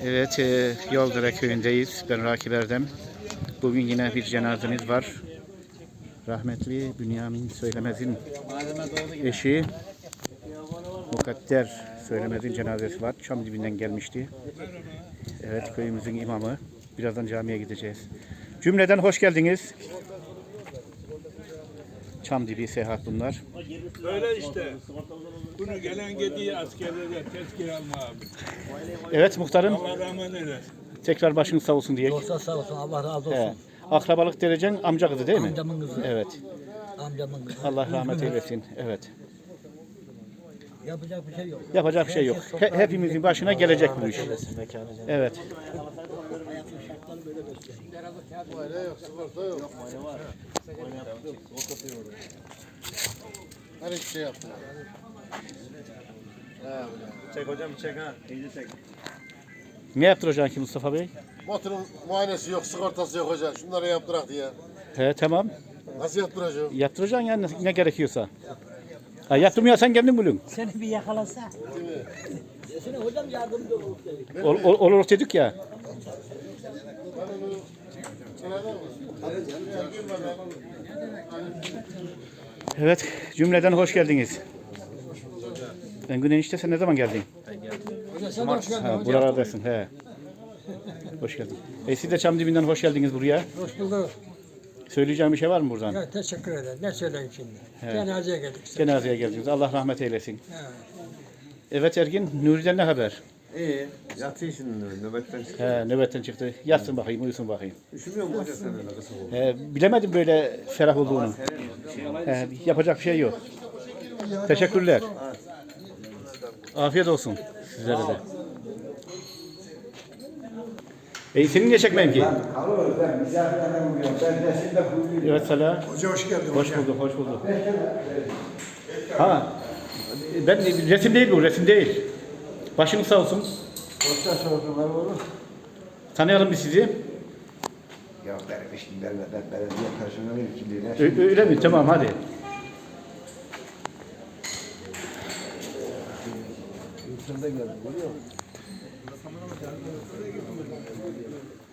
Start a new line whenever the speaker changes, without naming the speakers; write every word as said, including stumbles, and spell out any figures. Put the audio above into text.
Evet, e, Yoldere köyündeyiz. Ben Rakip Erdem. Bugün yine bir cenazemiz var. Rahmetli Bünyamin Söylemez'in eşi Mukadder Söylemez'in cenazesi var. Çam dibinden gelmişti. Evet, köyümüzün imamı. Birazdan camiye gideceğiz. Cümleden hoş geldiniz. Çam dibi seyahat bunlar.
Öyle işte. Bunu gelen gidiyor askerlere tezkere alma abi.
Evet muhtarım.
Allah rahmet eylesin.
Tekrar başınız sağ olsun diye.
Dostlar sağ olsun, Allah razı olsun.
He. Akrabalık derecen amca kızı değil mi?
Amcamın kızı.
Evet.
Amcamın kızı.
Allah rahmet eylesin. Evet.
Yapacak bir şey yok.
Yapacak bir şey yok. He- hepimizin başına gelecek bu iş. Evet.
Her hiçbir şey yaptım.
Çek hocam çek ha. İyice çek.
Ne yaptıracaksın ki Mustafa Bey?
Motorun muayenesi yok, sigortası yok hocam. Şunları yaptırak diye.
He tamam.
Nasıl yaptıracağım?
Yaptıracaksın yani ne, ne gerekiyorsa. Ha, yaptırmıyorsan kendin bulun.
Seni bir yakalasa. Desene hocam yardımcı olur.
Ol, ol, olur dedik ya. Evet, cümleden hoş geldiniz. Ben Güney işte sen ne zaman geldin?
Sen hoş geldin
Ha,
hocam.
buralardasın. He. Hoş geldin. E, siz de Çam dibinden hoş geldiniz buraya.
Hoş bulduk.
Söyleyeceğim bir şey var mı buradan?
Ya, teşekkür ederim. Ne söyleyeyim şimdi? Cenazeye geldik.
Cenazeye geldiniz. Allah rahmet eylesin.
Evet.
Evet Ergin, Nuri'den ne haber?
İyi. Yatıyor şimdi nöbetten çıktı.
He, nöbetten çıktı. Yatsın bakayım, uyusun bakayım.
Üşümüyor mu hoca sen öyle kısa oldu?
He, bilemedim böyle ferah olduğunu. He, yapacak bir şey yok. Teşekkürler. Afiyet olsun sizlere de. E senin niye çekmeyeyim ki? Evet Salah.
Hoca hoş geldin.
Hoş bulduk, hoş bulduk. Ha, ben resim değil bu, resim değil. Başınız sağ olsun.
Dostlar sorsunlar olur.
Tanıyalım biz sizi.
Ya benim işim ben ben belediye personeli kimliğine.
Ö- öyle mi? Tamam hadi.
Yurtunda geldim görüyor musun?